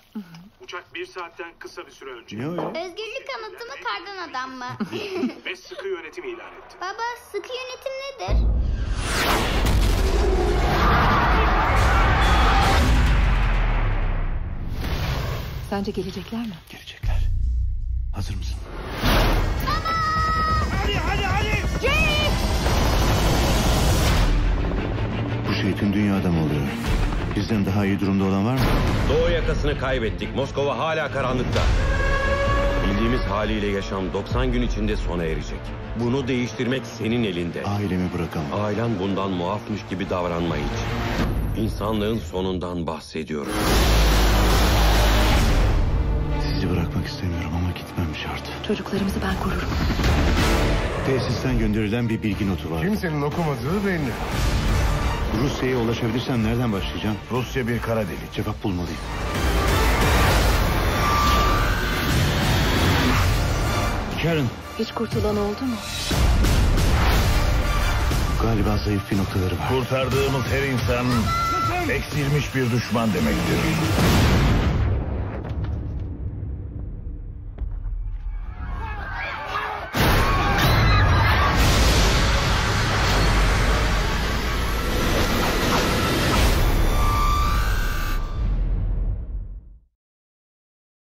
Uçak 1 saatten kısa bir süre önce. Ne o ya? Özgürlük kanıtı mı, kardan adam mı? Ve sıkı yönetim ilan etti. Baba, sıkı yönetim nedir? Sence gelecekler mi? Gelecekler. Hazır mısın? Bu şey tüm dünyada mı oluyor? Bizden daha iyi durumda olan var mı? Doğu yakasını kaybettik. Moskova hala karanlıkta. Bildiğimiz haliyle yaşam 90 gün içinde sona erecek. Bunu değiştirmek senin elinde. Ailemi bırakamam. Ailen bundan muafmış gibi davranma hiç. İnsanlığın sonundan bahsediyorum. Sizi bırakmak istemiyorum ama gitmem şart. Çocuklarımızı ben korurum. Tesisten gönderilen bir bilgi notu var. Kimsenin okumadığı belli. Rusya'ya ulaşabilirsem nereden başlayacağım? Rusya bir kara delik. Cevap bulmalıyım. Karen, Hiç kurtulan oldu mu? galiba zayıf bir noktaları var. Kurtardığımız her insan eksilmiş bir düşman demektir.